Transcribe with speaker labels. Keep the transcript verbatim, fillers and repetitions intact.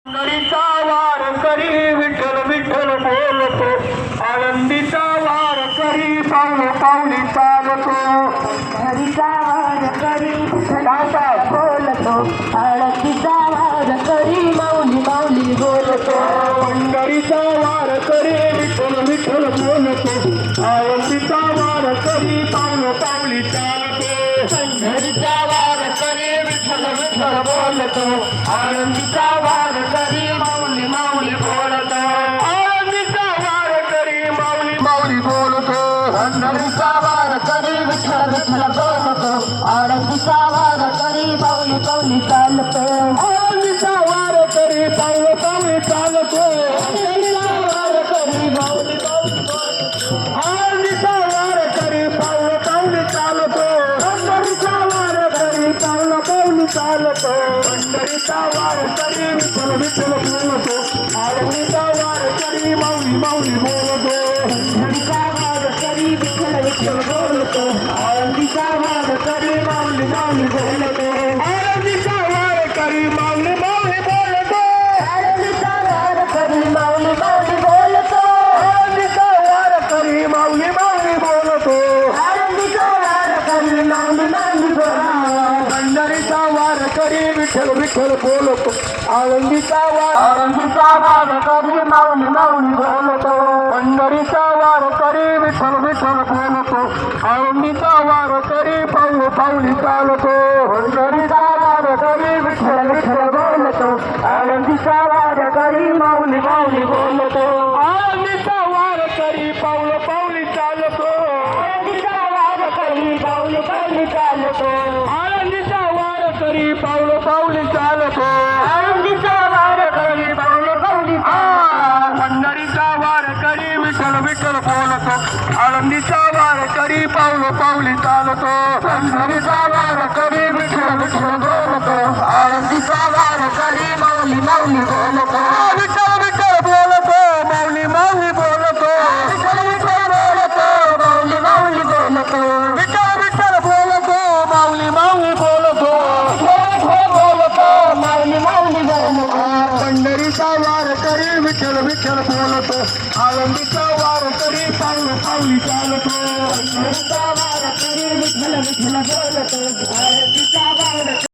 Speaker 1: पंढरीचा वार करी विठ्ठल विठ्ठल बोलतो, आनंदीचा वार करी पावले पावली चालतो.
Speaker 2: हरीचा वार करी विठ्ठल बोलतो, आळतीचा वार करी माऊली माऊली बोलतो.
Speaker 1: पंढरीचा वार करी विठ्ठल विठ्ठल बोलतो, आनंदीचा वार करी पावले पावली चालतो.
Speaker 2: हरीचा वार करी विठ्ठल विठ्ठल बोलतो, आळतीचा वार करी माऊली माऊली बोलतो.
Speaker 1: आनंदीचा वार करी माऊली माऊली बोलतो.
Speaker 2: हरीचा वार करी विठ्ठल विठ्ठल बोलतो, आळतीचा वार करी माऊली माऊली चालतो.
Speaker 1: आनंदीचा वार करी पावले पावली चालतो.
Speaker 2: आळतीचा वार करी माऊली माऊली चालतो.
Speaker 1: आनंदीचा वार करी पावले पावली चालतो. पंढरीचा वार करी विठ्ठल विठ्ठल बोलतो, आनंदीचा वार करी माऊली माऊली बोलतो.
Speaker 2: हरीचा वार करी विठ्ठल विठ्ठल बोलतो, आळतीचा वार करी माऊली माऊली बोलतो.
Speaker 1: आनंदीचा वार करी माऊली माऊली बोलतो.
Speaker 2: आळतीचा वार करी माऊली माऊली बोलतो.
Speaker 1: आनंदीचा वार करी माऊली माऊली बोलतो.
Speaker 2: आळतीचा वार करी माऊली माऊली बोलतो.
Speaker 1: पंढरीचा वार करी विठ्ठल विठ्ठल बोलतो, आनंदीचा वार
Speaker 2: आळतीचा वार करी माऊली माऊली बोलतो.
Speaker 1: पंढरीचा वार करी विठ्ठल विठ्ठल बोलतो, आनंदीचा वार करी पाऊल पाऊली चालतो.
Speaker 2: हरीचा वार करी विठ्ठल विठ्ठल बोलतो, आळतीचा वार करी माऊली माऊली बोलतो.
Speaker 1: आनंदीचा वार करी पाऊल पाऊली चालतो.
Speaker 2: आळतीचा वार करी माऊली माऊली चालतो.
Speaker 1: आनंदीचा वार करी पाऊल पाऊली चालतो.
Speaker 2: आळतीचा वार करी माऊली माऊली
Speaker 1: आ, पंढरीचा वार करी विठ्ठल विठ्ठल बोलतो, आनंदीचा वार करी पाऊल पाऊली चालतो.
Speaker 2: हरीचा वार करी विठ्ठल विठ्ठल बोलतो, आळतीचा वार करी माऊली माऊली बोलतो.
Speaker 1: विठ्ठल विठ्ठल बोलतो, माऊली माऊली बोलतो.
Speaker 2: विठ्ठल विठ्ठल बोलतो, माऊली माऊली बोलतो.
Speaker 1: विठ्ठल विठ्ठल बोलतो, माऊली माऊली बोलतो.
Speaker 2: विठ्ठल बोलतो, माऊली माऊली बोलतो.
Speaker 1: पंढरीचा वार करी विठ्ठल विठ्ठल बोलतो, आनंदीचा वार करी पाऊल पाऊली चालतो.
Speaker 2: हरीचा वार करी विठ्ठल विठ्ठल बोलतो, आळतीचा वार